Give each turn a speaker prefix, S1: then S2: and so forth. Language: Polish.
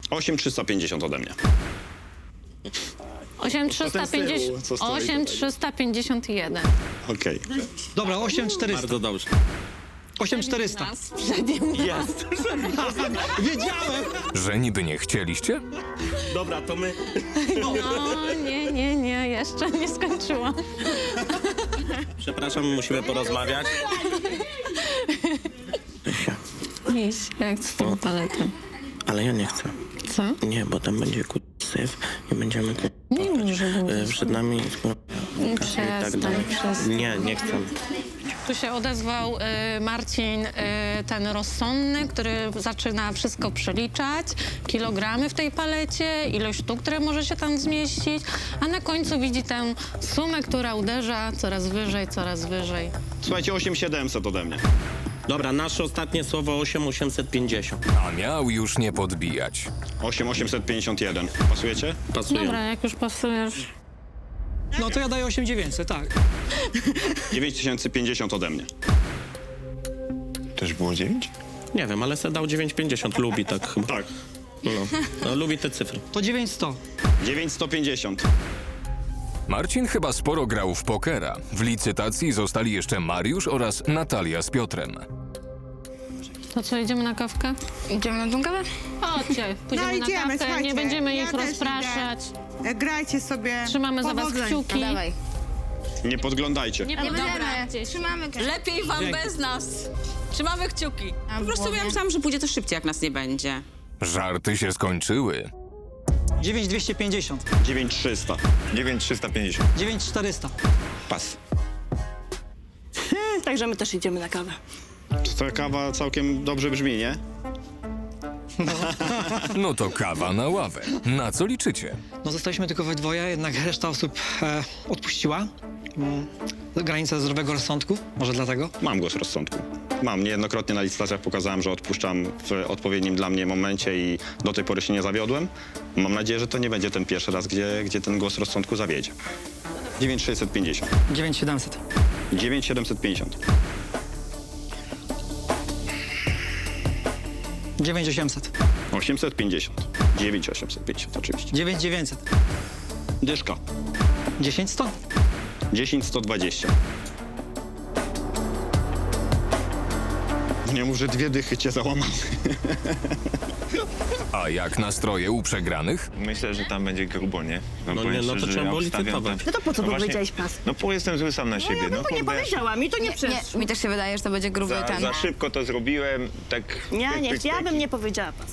S1: 8350 ode mnie.
S2: 8350,
S1: Co stoi
S2: 8351.
S1: Okej.
S3: Dobra, 8400.
S4: Bardzo dobrze.
S3: 8400.
S4: Jest.
S3: Wiedziałem!
S5: Że niby nie chcieliście?
S4: Dobra, to my...
S2: No, nie, jeszcze nie skończyłam.
S4: Przepraszam, musimy porozmawiać.
S2: Iść, jak z tą paletą.
S4: Ale ja nie chcę.
S2: Co?
S4: Nie, bo tam będzie syf i będziemy...
S2: Nie może być.
S4: Przed nami...
S2: Przestań.
S4: Nie chcę.
S2: Tu się odezwał Marcin, ten rozsądny, który zaczyna wszystko przeliczać, kilogramy w tej palecie, ilość sztuk, które może się tam zmieścić, a na końcu widzi tę sumę, która uderza coraz wyżej, coraz wyżej.
S1: Słuchajcie, 8700 ode mnie.
S4: Dobra, nasze ostatnie słowo 8850.
S5: A miał już nie podbijać.
S1: 8851. Pasujecie?
S4: Pasuje.
S2: Dobra, jak już pasujesz.
S3: No to ja daję 8900, tak.
S1: 9050 ode mnie.
S6: Też było 9?
S4: Nie wiem, ale se dał 950. Lubi tak chyba.
S1: Tak.
S4: No, lubi te cyfry.
S3: To 9100.
S1: 9150.
S5: Marcin chyba sporo grał w pokera. W licytacji zostali jeszcze Mariusz oraz Natalia z Piotrem.
S2: To co, idziemy na kawkę?
S7: Idziemy na tą kawę?
S2: Chodźcie, pójdziemy
S8: No idziemy,
S2: na kawkę,
S8: słuchajcie,
S2: nie będziemy
S8: ja
S2: ich
S8: też
S2: rozpraszać.
S8: idę. Grajcie sobie.
S2: Trzymamy za was
S8: Powodzeń.
S2: kciuki.
S7: Dawaj.
S1: Nie podglądajcie.
S2: Nie
S7: Dobra,
S2: podglądajcie się.
S7: trzymamy kawę.
S9: Lepiej wam bez nas. Trzymamy kciuki. Po prostu
S7: głowie.
S9: ja myślałam, że pójdzie to szybciej, jak nas nie będzie.
S5: Żarty się skończyły.
S3: 9250.
S1: 9300.
S6: 9350.
S3: 9400.
S1: Pas.
S9: Także my też idziemy na kawę.
S1: Ta kawa całkiem dobrze brzmi, nie?
S5: No to kawa na ławę. Na co liczycie?
S3: No zostaliśmy tylko we dwoje, jednak reszta osób odpuściła. Granica zdrowego rozsądku, może dlatego.
S1: Mam głos rozsądku. Mam. Niejednokrotnie na licytacjach pokazałem, że odpuszczam w odpowiednim dla mnie momencie i do tej pory się nie zawiodłem. Mam nadzieję, że to nie będzie ten pierwszy raz, gdzie ten głos rozsądku zawiedzie. 9650.
S3: 9700.
S1: 9750.
S3: 9800.
S1: 850. 9850 oczywiście.
S3: 9900.
S1: Dyszka.
S3: 10100.
S1: 10120. Nie mów, że dwie dychy cię załamały.
S5: A jak nastroje u przegranych?
S6: Myślę, że tam będzie grubo, nie?
S4: No
S6: powiem
S4: nie, no to
S6: szczerze,
S4: trzeba
S6: ja
S4: było
S6: obstawiam
S4: licytować.
S6: tak-
S9: No to po co
S6: właśnie-
S9: powiedziałeś pas?
S6: No bo jestem zły sam na siebie.
S9: Ja bym to nie
S6: kurde,
S9: powiedziała, mi to nie przeszło.
S7: Mi też się wydaje, że to będzie gruby ten.
S6: za szybko to zrobiłem, tak...
S9: Ja
S6: pyk,
S9: nie,
S6: pyk,
S9: ja
S6: pyk
S9: bym
S6: i-
S9: nie powiedziała pas.